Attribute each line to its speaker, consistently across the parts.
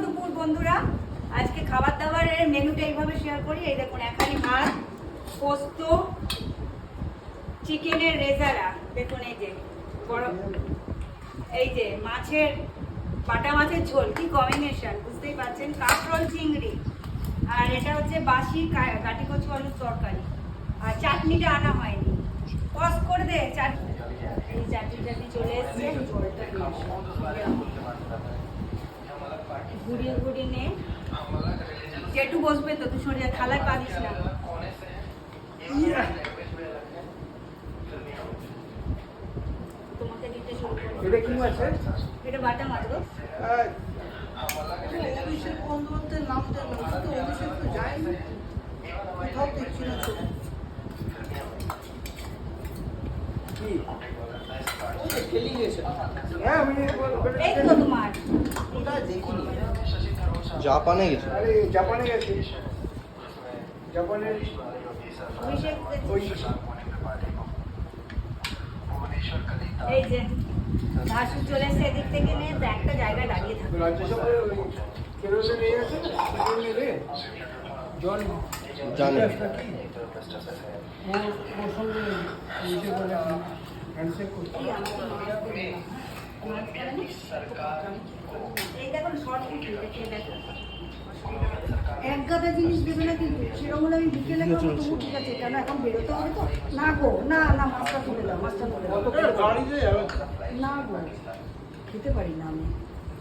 Speaker 1: দুপুর বন্ধুরা, আজকে খাবার দাবারের মেনুটা এইভাবে শেয়ার করি। এই দেখুন, এখানে ভাত, পোস্ত, চিকেনের রেজারা, দেখুন এই যে বড়, এই যে মাছের বাটা মাছের ঝোল, কি কম্বিনেশন বুঝতেই পারছেন, কাঁকরোল চিংড়ি, আর এটা হচ্ছে বাসি কাটি কচু আলুর তরকারি, আর চাটনিটা আনা হয়নি। পজ করে দে চাটনি, এই চাটনি চলে এসছে। ঝোলটা ঘুরিয়ে ঘুরিয়ে নে, যেটু বসবে তো তুই সরিয়ে থালায় পা দিস না। তোমাকে দিতে শুরু করো।
Speaker 2: এটা কি মাছ?
Speaker 1: এটা বাটা মাছ গো।
Speaker 2: অভিষেক বন্দ্যোপাধ্যায়ের নাম দেখলাম, কিন্তু অভিষেক তো যায়নি, কোথাও দেখছি না ছবি। কি? ওই যে খেলি গেছে। হ্যাঁ, আমি
Speaker 1: এই তো তোমার
Speaker 2: ওটা দেখিনি।
Speaker 3: জাপানে গেছে।
Speaker 2: আরে জাপানে গেছে। জাপানের
Speaker 1: অভিষেক
Speaker 2: ওই
Speaker 1: এই যে ভাসু চলে এসে এদিক থেকে নিয়ে একটা জায়গায় দাঁড়িয়ে থাকে।
Speaker 2: রাজ্যসভার ওই কেরলে নিয়ে গেছে না, কেরলে রে জন
Speaker 3: জানি।
Speaker 2: ওর সঙ্গে ইয়ে বলে হ্যান্ডশেক করতে।
Speaker 1: এই দেখুন শর্ট ভিডিও দেখে দেখো।
Speaker 4: এক গাদা জিনিস দেবে না, কিন্তু সেরকম হলে আমি বিকেলে খাবো, তবু ঠিক আছে। কেন এখন বেরোতে হবে তো? না গো, না না, মাছটা তুলে দাও, মাছটা তুলে দাও।
Speaker 2: গাড়িতে যাবে
Speaker 4: না গো, খেতে পারি না আমি।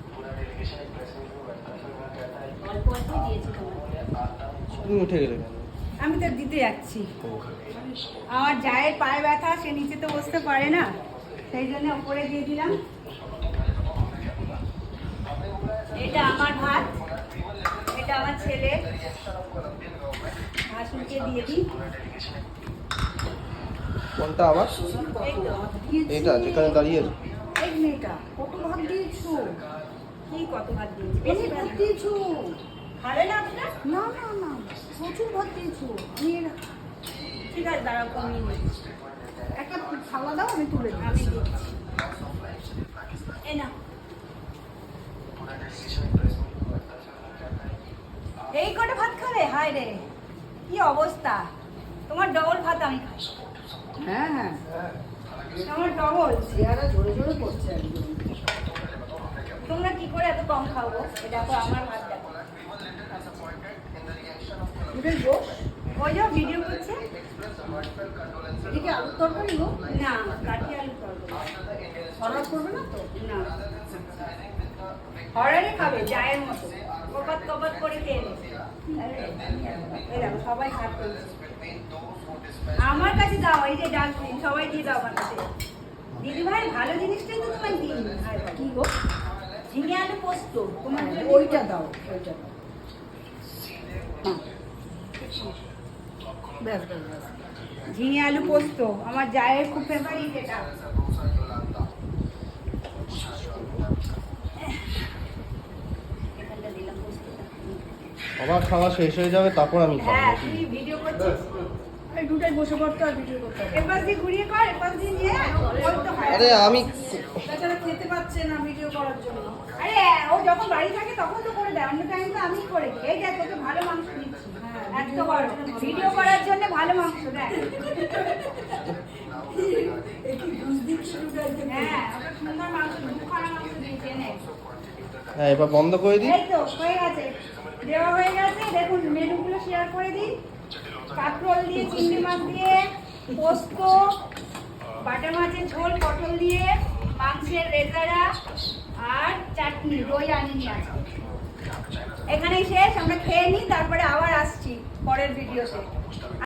Speaker 1: অল্প অল্প দিয়েছি তোমাকে।
Speaker 3: তুমি উঠে গেলে কেন?
Speaker 1: আমি তো দিতে যাচ্ছি। আমার জায়ের পায়ে ব্যথা, সে নিচে তো বসতে পারে না, সেই জন্য উপরে দিয়ে দিলাম। এটা আমার ভাত, এটা আমার ছেলে, ভাসুরকে দিয়ে দিই।
Speaker 3: কোনটা আবার?
Speaker 1: এই তো,
Speaker 4: দিয়েছি।
Speaker 3: এটা যেখানে দাঁড়িয়ে আছে?
Speaker 4: এই মেয়েটা কত ভাত দিয়েছো?
Speaker 1: কি কত ভাত দিয়েছি?
Speaker 4: বেশি
Speaker 1: বেশি
Speaker 4: ভাত
Speaker 1: ভাত
Speaker 4: দিয়েছো?
Speaker 1: খাবে না আপনার?
Speaker 4: না না না, প্রচুর ভাত দিয়েছো। আমি
Speaker 1: ঠিক আছে, দাঁড়াও কমিয়ে নিই।
Speaker 4: একটা থালা দাও, আমি তুলে দিই।
Speaker 1: আমি দিচ্ছি। এই নাও। এই কটা ভাত খাবে? হায় রে, কি অবস্থা তোমার! ডবল ভাত আমি খাই।
Speaker 4: হ্যাঁ হ্যাঁ,
Speaker 1: আমার ডবল।
Speaker 4: চেহারা জোরে জোরে করছে একদম।
Speaker 1: তোমরা কি করে এত কম খাবো? এটা দেখো আমার ভাত দেখো।
Speaker 4: এটাই বস,
Speaker 1: ওই যে ভিডিও করছে।
Speaker 4: এদিকে আলুর তরকারি গো।
Speaker 1: না, কাঠি আলু তরকারি।
Speaker 4: হঠাৎ করবে না তো?
Speaker 1: না, হরারে খাবে জায়ের মতো, কপাত কপাত করে খেয়ে নেবে। এই দেখো সবাই ভাত করছে। আমার কাছে দাও, এই যে ডাস্টবিন, সবাই দিয়ে দাও আমার কাছে। দিদি ভাই, ভালো জিনিসটাই তো তোমায় দিই।
Speaker 4: কি গো?
Speaker 1: ঝিঙে আলু পোস্ত তোমার জন্য।
Speaker 4: ওইটা দাও, ওইটা দাও। হ্যাঁ। ব্যাস ব্যাস ব্যাস।
Speaker 1: ঝিঙে আলু পোস্ত আমার জায়ের খুব ফেভারিট এটা। এখানটা দিলাম পোস্তটা।
Speaker 3: আবার খাওয়া শেষ হয়ে যাবে, তারপর আমি খাবো।
Speaker 1: হ্যাঁ, তুই ভিডিও করছিস।
Speaker 4: এই দুটাই বসে পড়তে আর ভিডিও করতে হবে।
Speaker 1: এপাশ দিয়ে ঘুরিয়ে কর, এপাশ দিয়ে নিয়ে ওই তো হয়।
Speaker 3: আরে আমি
Speaker 4: তাছাড়া খেতে পাচ্ছে না ভিডিও করার জন্য।
Speaker 1: আরে ও যখন বাড়ি থাকে তখন তো করে দেয়, অন্য টাইম তো আমিই করে দিই। এই দেখ, তোকে ভালো মাংস দিচ্ছি।
Speaker 4: হ্যাঁ,
Speaker 1: এত বড় ভিডিও করার জন্য ভালো মাংস দেয়।
Speaker 4: একটু ঘুষ দিচ্ছি দুটাইকে।
Speaker 1: হ্যাঁ, ওটা সুন্দর মাংস, দুখানা মাংস দিয়েছে এনে।
Speaker 3: হ্যাঁ, এবার বন্ধ করে দিই।
Speaker 1: এই তো হয়ে গেছে, দেওয়া হয়ে গেছে। দেখুন মেনুগুলো শেয়ার করে দিই। কাঁকরোল দিয়ে, চিংড়ি মাছ দিয়ে, পোস্ত, বাটা মাছের ঝোল, পটল দিয়ে, মাংসের রেজারা আর চাটনি, দই আনিনি আজকে। এখানেই শেষ, আমরা খেয়ে নিই, তারপরে আবার আসছি পরের ভিডিওতে।